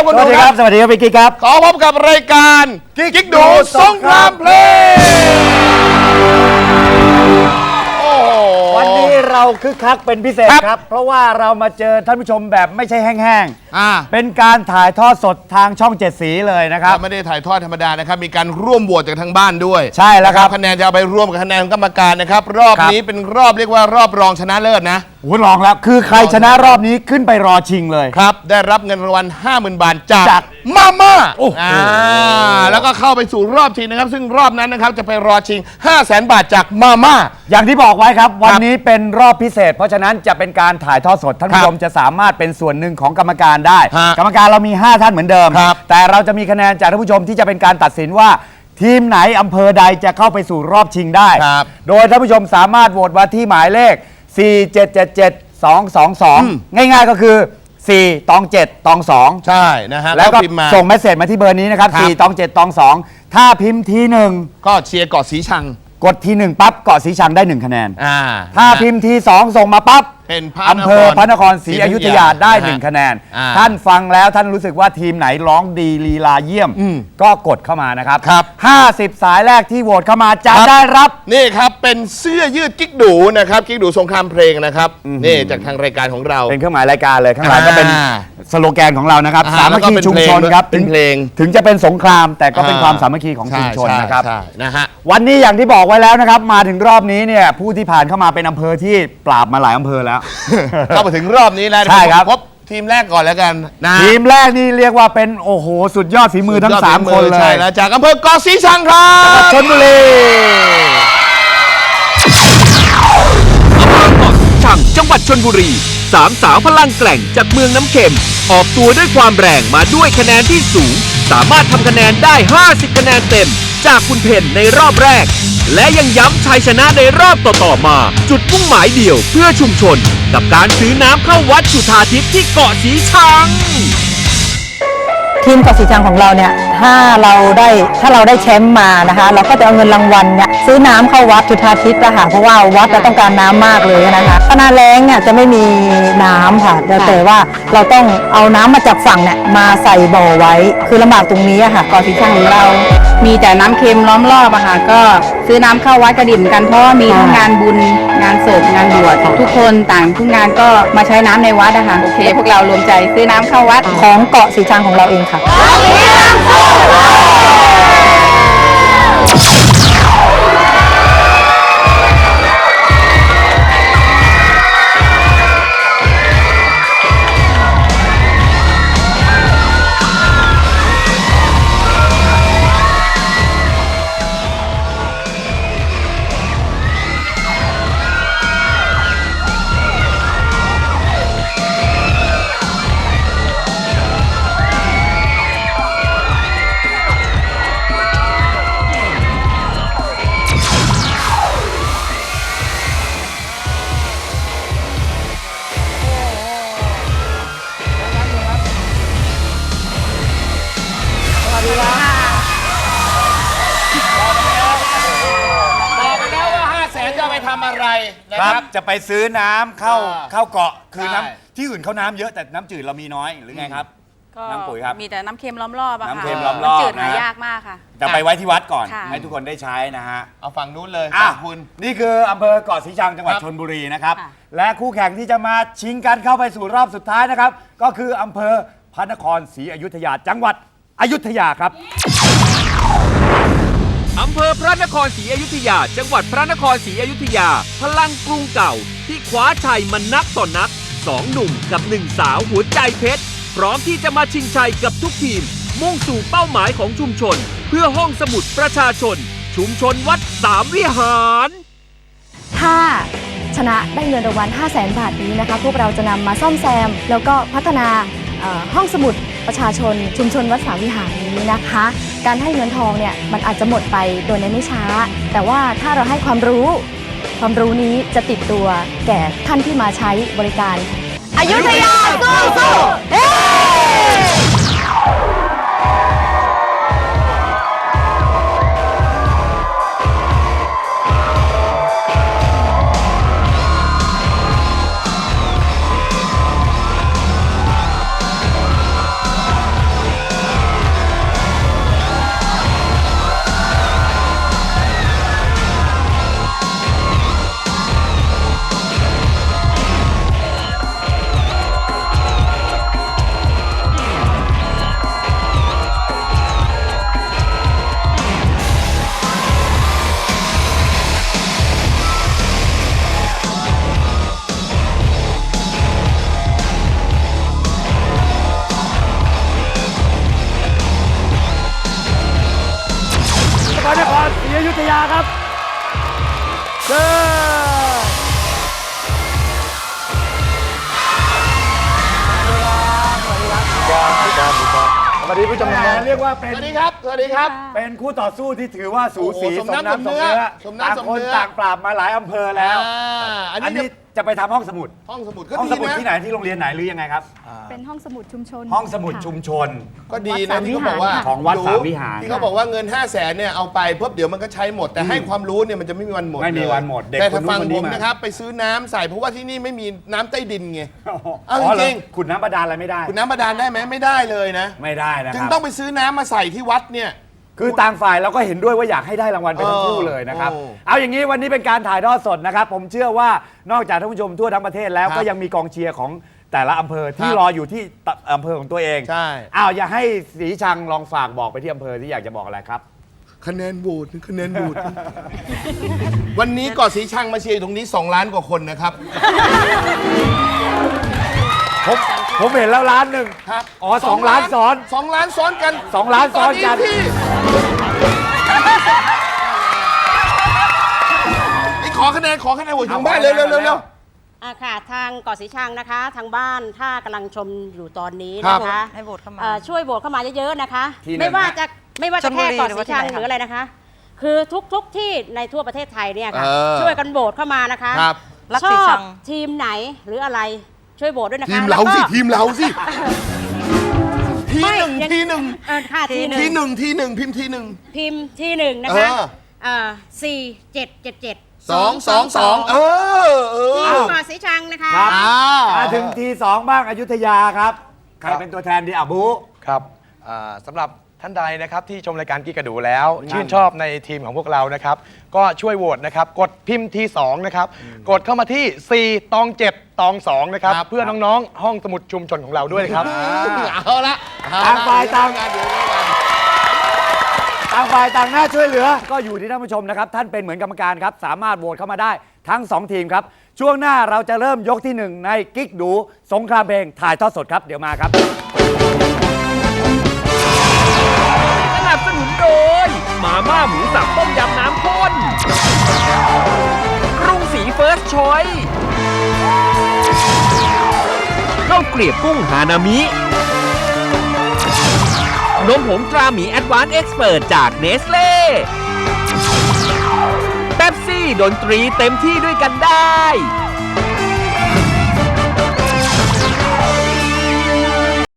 คุณดูครับสวัสดีครับพี่กิ๊กครับขอพบกับรายการกิ๊กดูสงครามเพลงวันนี้เราคึกคักเป็นพิเศษครับเพราะว่าเรามาเจอท่านผู้ชมแบบไม่ใช่แห้งๆเป็นการถ่ายทอดสดทางช่อง7สีเลยนะครับไม่ได้ถ่ายทอดธรรมดานะครับมีการร่วมโหวตจากทางบ้านด้วยใช่แล้วครับคะแนนจะเอาไปร่วมกับคะแนนกรรมการนะครับรอบนี้เป็นรอบเรียกว่ารอบรองชนะเลิศนะโอ้รองแล้วคือใครชนะรอบนี้ขึ้นไปรอชิงเลยครับได้รับเงินรางวัล 50,000 บาทจากมาม่าแล้วก็เข้าไปสู่รอบชิงนะครับซึ่งรอบนั้นนะครับจะไปรอชิง 500,000 บาทจากมาม่าอย่างที่บอกไว้ครับวันนี้เป็นรอบพิเศษเพราะฉะนั้นจะเป็นการถ่ายทอดสดท่านผู้ชมจะสามารถเป็นส่วนหนึ่งของกรรมการได้กรรมการเรามี5ท่านเหมือนเดิมแต่เราจะมีคะแนนจากท่านผู้ชมที่จะเป็นการตัดสินว่าทีมไหนอำเภอใดจะเข้าไปสู่รอบชิงได้โดยท่านผู้ชมสามารถโหวตมาที่หมายเลข4777222ง่ายๆก็คือ4ตอง7ตอง2 ใช่นะฮะแล้วก็ส่งเมสเสจมาที่เบอร์นี้นะครับ4ตอง7ตอง2ถ้าพิมพ์ที1 ก็เชียร์เกาะสีชังกดที1ปั๊บเกาะสีชังได้1คะแนนถ้าพิมพ์ที2ส่งมาปั๊บเป็นอำเภอพระนครศรีอยุธยาได้1คะแนนท่านฟังแล้วท่านรู้สึกว่าทีมไหนร้องดีลีลาเยี่ยมก็กดเข้ามานะครับ50สายแรกที่โหวตเข้ามาจะได้รับนี่ครับเป็นเสื้อยืดกิ๊กดูนะครับกิ๊กดูสงครามเพลงนะครับนี่จากทางรายการของเราเป็นเครื่องหมายรายการเลยข้างหลังก็เป็นสโลแกนของเรานะครับสามัคคีชุมชนครับเป็นเพลงถึงจะเป็นสงครามแต่ก็เป็นความสามัคคีของชุมชนนะครับนะฮะวันนี้อย่างที่บอกไว้แล้วนะครับมาถึงรอบนี้เนี่ยผู้ที่ผ่านเข้ามาเป็นอำเภอที่ปราบมาหลายอำเภอแล้วเข้ามาถึงรอบนี้แล้วใช่ครับพบทีมแรกก่อนแล้วกันนะทีมแรกนี่เรียกว่าเป็นโอ้โหสุดยอดฝีมือทั้ง3คนเลยใช่แล้วจากอำเภอเกาะสีชังครับชลบุรีอำเภอเกาะสีชังจังหวัดชลบุรีสามสาวพลังแกร่งจากเมืองน้ำเค็มออกตัวด้วยความแรงมาด้วยคะแนนที่สูงสามารถทำคะแนนได้50คะแนนเต็มจากคุณเพนในรอบแรกและยังย้ำชัยชนะในรอบต่อๆมาจุดมุ่งหมายเดียวเพื่อชุมชนกับการซื้อน้ำเข้าวัดจุฑาทิพย์ที่เกาะสีชังทีมเกาะสีชังของเราเนี่ยถ้าเราได้แชมป์มานะคะเราก็จะเอาเงินรางวัลเนี่ยซื้อน้ำเข้าวัดจุฑาทิพย์นะคะเพราะว่าวัดเราต้องการน้ำมากเลยนะคะถ้าหน้าแล้งเนี่ยจะไม่มีน้ำค่ะแต่ว่าเราต้องเอาน้ำมาจากฝั่งเนี่ยมาใส่บ่อไว้คือลำบากตรงนี้ค่ะเกาะสีชังของเรามีแต่น้ำเค็มล้อมรอบอะค่ะก็ซื้อน้ำเข้าวัดกระดิ่มกันเพราะว่ามีทั้งงานบุญงานศพงานบวชทุกคนต่างทุกงานก็มาใช้น้ำในวัดนะคะโอเคพวกเรารวมใจซื้อน้ำเข้าวัดของเกาะสีชังของเราเองค่ะครับจะไปซื้อน้ำเข้าเกาะคือน้ำที่อื่นเขาน้ำเยอะแต่น้ำจืดเรามีน้อยหรือไงครับน้ำปุ๋ยครับมีแต่น้ำเค็มล้อมรอบอะค่ะน้ำเค็มล้อมรอบจืดหายากมากค่ะจะไปไว้ที่วัดก่อนให้ทุกคนได้ใช้นะฮะเอาฝั่งนู้นเลยคุณนี่คืออำเภอเกาะสีชังจังหวัดชลบุรีนะครับและคู่แข่งที่จะมาชิงกันเข้าไปสู่รอบสุดท้ายนะครับก็คืออำเภอพระนครศรีอยุธยาจังหวัดอยุธยาครับอำเภอพระนครศรีอยุธยาจังหวัดพระนครศรีอยุธยาพลังกรุงเก่าที่คว้าชัยมันนักต่อนัก2หนุ่มกับ1สาวหัวใจเพชรพร้อมที่จะมาชิงชัยกับทุกทีมมุ่งสู่เป้าหมายของชุมชนเพื่อห้องสมุดประชาชนชุมชนวัดสามวิหารถ้าชนะได้เงินรางวัล 500,000 บาทนี้นะคะพวกเราจะนำมาซ่อมแซมแล้วก็พัฒนาห้องสมุดประชาชนชุมชนวัดสามวิหารนี้นะคะการให้เงินทองเนี่ยมันอาจจะหมดไปโดยในไม่ช้าแต่ว่าถ้าเราให้ความรู้นี้จะติดตัวแก่ท่านที่มาใช้บริการอยุธยาสู้ยาครับเชิญสวัสดีผู้ชมเรียกว่าเป็นสวัสดีครับสวัสดีครับเป็นคู่ต่อสู้ที่ถือว่าสูสีโอ้โหสมน้ำสมเนื้อสมน้ำสมเนื้อต่างคนต่างปราบมาหลายอำเภอแล้วอันอันนี้นี้จะไปทำห้องสมุดห้องสมุดก็ห้องดีสมุดนะที่ไหนที่โรงเรียนไหนหรือยังไงครับเป็นห้องสมุดชุมชนห้องสมุดค่ะชุมชนก็ดีนะที่เขาบอกว่าของวัดสามวิหารที่เขาบอกว่าเงิน 5 0 0 0 0นเนี่ยเอาไปเพิ่มเดี๋ยวมันก็ใช้หมดแต่ให้ความรู้เนี่ยมันจะไม่มีวันหมดไม่มีวันหมดเด็กแต่คนถ้านู้นฟังคนผนี้มมานะครับไปซื้อน้ำใส่เพราะว่าที่นี่ไม่มีน้ำใต้ดินไง เอาอ๋อจริงขุดน้ำบาดาลอะไรไม่ได้คุณน้ำบาดาลได้ไหมไม่ได้เลยนะไม่ได้นะจึคงรับต้องไปซื้อน้ำมาใส่ที่วัดเนี่ยคือต่างฝ่ายเราก็เห็นด้วยว่าอยากให้ได้รางวัลไปทั้งคู่เลยนะครับ เอาอย่างนี้วันนี้เป็นการถ่ายทอดสดนะครับ ผมเชื่อว่านอกจากท่านผู้ชมทั่วทั้งประเทศแล้วครับก็ยังมีกองเชียร์ของแต่ละอำเภอที่ครับรออยู่ที่อำเภอของตัวเองใช่อ้าวอยากให้ศรีชังลองฝากบอกไปที่อำเภอที่อยากจะบอกอะไรครับคะแนนโหวตคะแนนโหวต วันนี้ก่อสีชังมาเชียร์อยู่ตรงนี้ 2 ล้านกว่าคนนะครับผมเห็นแล้วล้านหนึ่งครับอ๋อ2 ล้านซ้อน 2 ล้านซ้อนกัน 2 ล้านซ้อนกันตที่นี่ขอคะแนนโหวตทางบ้านเร็วๆค่ะทางเกาะสีชังนะคะ ทางบ้านถ้ากำลังชมอยู่ตอนนี้ครับนะคะให้โหวตเข้ามาช่วยโหวตเข้ามาเยอะๆนะคะที่ไหนไม่ว่าฮะจะชลบุแค่รีเกาะหรือสีว่าที่ชังไหนหรืออะไรนะคะ คือทุกที่ในทั่วประเทศไทยเนี่ยค่ะเออช่วยกันโหวตเข้ามานะคะครับรักชสีอชับงทีมไหนหรืออะไรช่วยโหวตด้วยนะคะทีมเราสิแล้วก็ทีมเราสิทีไม่หนึ่งยังทีหนึ่งค่ะทีหนึ่งทีหนึ่งทีหนึ่งพิมพ์ทีหนึ่งพิมพ์ที่หนึ่งนะคะ 4777 222เออทีมเกาะสีชังนะคะครับอ่าถึงที 2 บ้างอยุธยาครับ ใครเป็นตัวแทนดีอ่ะบูครับสำหรับท่านใดนะครับที่ชมรายการกิ๊กกระดูแล้ว ชื่นชอบในทีมของพวกเรานะครับ ก็ช่วยโหวตนะครับ กดพิมพ์ที่2นะครับ กดเข้ามาที่ 4 ตอง 7 ตอง 2 นะครับ เพื่อน้องๆ ห้องสมุดชุมชนของเราด้วยนะครับเอาละต่างฝ่ายต่างเดี๋ยวกันต่างฝ่ายต่างหน้าช่วยเหลือ ก็อยู่ที่ท่านผู้ชมนะครับ ท่านเป็นเหมือนกรรมการครับ สามารถโหวตเข้ามาได้ทั้ง 2 ทีมครับ ช่วงหน้าเราจะเริ่มยกที่ 1 ในกิ๊กดูสงครามเพลงถ่ายทอดสดครับ เดี๋ยวมาครับสนับสนุนโดยมาม่าหมูสับต้มยำน้ำข้นกรุงศรีเฟิร์สชอยข้าวเกลียบกุ้งฮานามินมผงตราหมีแอดวานซ์เอ็กซ์เพิร์ตจากเนสเล่เป๊ปซี่ดนตรีเต็มที่ด้วยกันได้